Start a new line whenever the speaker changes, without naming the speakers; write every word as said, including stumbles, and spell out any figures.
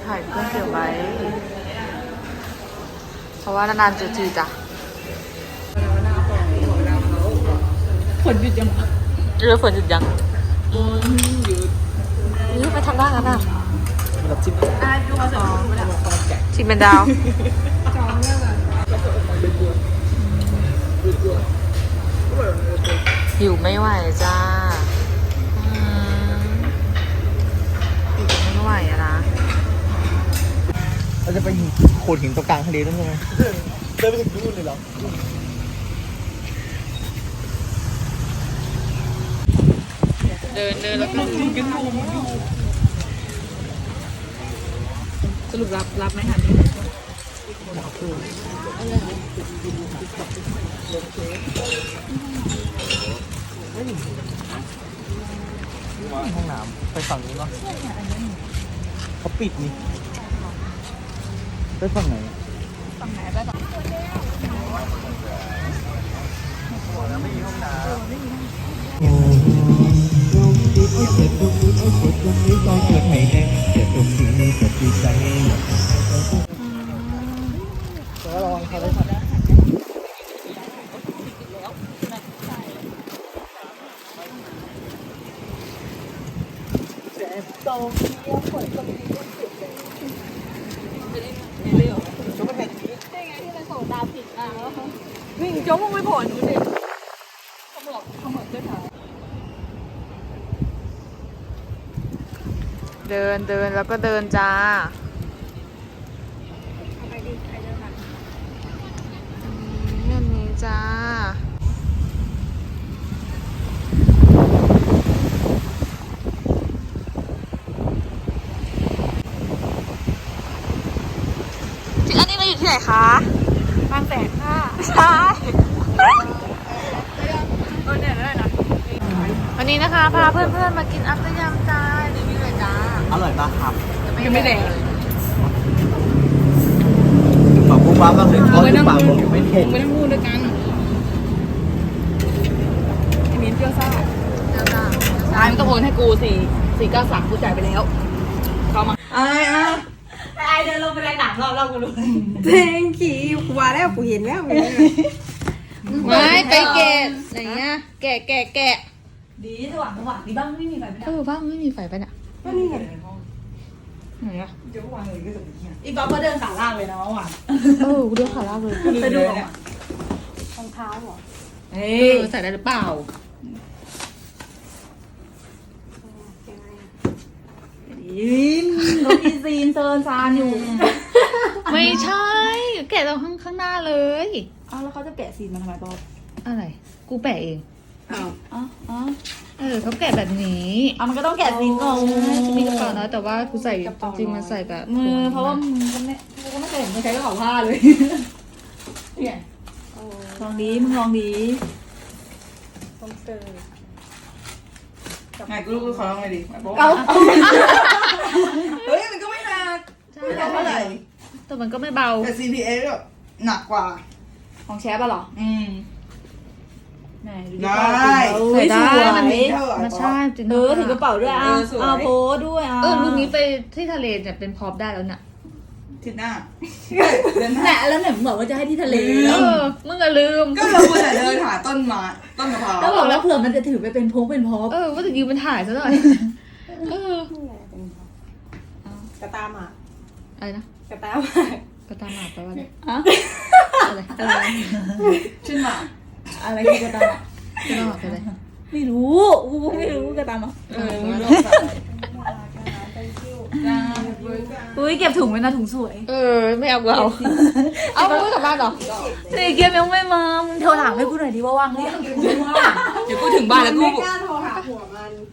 ถ่ายเพื่อนเก็บไว้เพราะว่านานๆเจอทีจ้ะ
ฝนหยุดยัง
เรือฝนหยุดยังนี่ไปทำได้กันอ่ะ
รับชิม
อ่ะดูมาสอง
ชิมเป็นดาวหิวไม่ไหวจ้าหิวไม่ไหวอะนะ
เราจะไปโขดหินตรงกลางทะเลด้วยใช่ไหมเดินไปถึงนู่นเลยเหรอ
เดินเดินแล้วก็กินนม
สรุปรับรับไหมคะ
ห้องน้ำไปฝั่งนู้นเนาะเขาปิดนี่ไปฝั่งไหน
ฝั่งไหนไปฝั่ง
แล้วไม่มีห้องน้ำแต่ว่าระวังเขาได้ทันโตเกียวฝนตกดีก็สุดเลยเร็วจบไปแค่นี้ได้ไงที่มันส่งดาวผิดอ่ะวิ่งโจ๊กมึงไม่ผลดูดิเขาบอกเขาเหมือนด้วยค่ะ
เดินเดินแล้วก็เดินจ้า
ไปดิไปเดินมา
เงี้ยนี้จ้าอันนี้เราอยู่ที่ไหนคะ
บางแสนค่ะ
ใช่
เออเนี่ยได้นะ
วันนี้นะคะพาเพื่อนๆมากินอัพยำจ้ารีวิวเลยจ้า
อร่อยมากครับ
ยังไม่แดง
ปากปุ๊บปั๊บมากเลยทอดปากผมยังไม่เผ็ด
ไม่ต้องพูดด้วยกันไอ้มิ้นเปรี้ยวซ่า
เจ้าจ้า
ตายมันต้องโอนให้กูสี่สี่เก้าสามกูจ่ายไปแล้วเข้ามาไอ้อ่ะไอ้เดินลงไปในหนังรอบรอบกูรู้
เทงขี่กูว่าแล้วกูเห็นแล้ว
ไม่ไปแกะอะไรเงี้ยแกะแกะแกะ
ดีสว่างสว่างดีบ้างไม่มีไฟไม่ได้
เออบ้างไม่มีไฟไปเนี่ย
ก็นี่ไง
ไหนอะ
เดี๋ยววางเลยก็จะไปเที่ยวอีกบ๊อบก็เดินขาล่างเลยนะเมื่อวาน
เออกูเดินขาลากเลย
ไปดูอ่ะ
รองเท้าเหรอ
เฮ้
ยใส่ได้หรือเปล่า
ยินรถอีซีนเซิร์นซานอยู่
ไม่ใช่แกะตรงข้างข้างหน้าเลย
อ้าวแล้วเขาจะแกะซีนมาทำไมบ๊อบ
อะไรกูแปะเอง
อ้าวอ้าวอ้าว
เออเขาแกะแบบนี้
อ่ะมันก็ต้องแกะซีนก่อน
จะมีกระเป๋านะแต่ว่ากูใส่จริงๆมันใส่แบบ
มือเพราะว่ามึงก็ไม่มึงก็ไม่เคยเห็นมึงใช้กระเป๋าผ้าเลยเนี่ยลองดีมึงลองดี
ต้องเจอ
ไงกูรู้กูขอลองไงดิเอาเฮ้ยมันก็ไม่หนักไม่หนักเท่าไหร่
แต่มันก็ไม่เบา
แต่ ซี พี เอส แบบหนักกว่าของแชร์ป่ะหรออืมได้
ใส่ได้
มันมี
มันใช่จริง
เออถือกระเป๋าด้วยอ่ะเอาโพสด้วยอ่ะ
เออรูปนี้ไปที่ทะเลเนี่ยเป็นพร็อพได้แล้วเนี่ย
ทิศหน้าเดินแหละแล้วเนี่ยบอกว่าจะให้ที่ทะเล
เออมึงอะลืม
ก็เราควรจะเดินหาต้นไม้ต้นมะพร้าวแล้วบอกแล้วเผื่อมันจะถือไปเป็นพงเป็นพร็อพ
เออว่าจะยืมมันถ่ายซะหน่อยเอ
อกระตาหมา
อะไรนะ
กระตาหมาก
ระตาหมาแปลว่าอะไร
อะไรอะไรชื่อหมาอะไรคือกระตาหมาก
ระตาหมาเป็นอะไร
ไม่รู้กูไม่รู้กระตาหมาเอออุ้ยเก็บถุงไว้นะถุงสวย
เออไม่เอาเอาเอาไปกลับบ้านหรอ
นี่เก็บยังไม่มามึงโทรถามให้กูหน่อยดิว่าว่างหรือยังเดี๋ยวกูถึงบ้านแล้วกู
ไม่กล้าโทรหาผัวมัน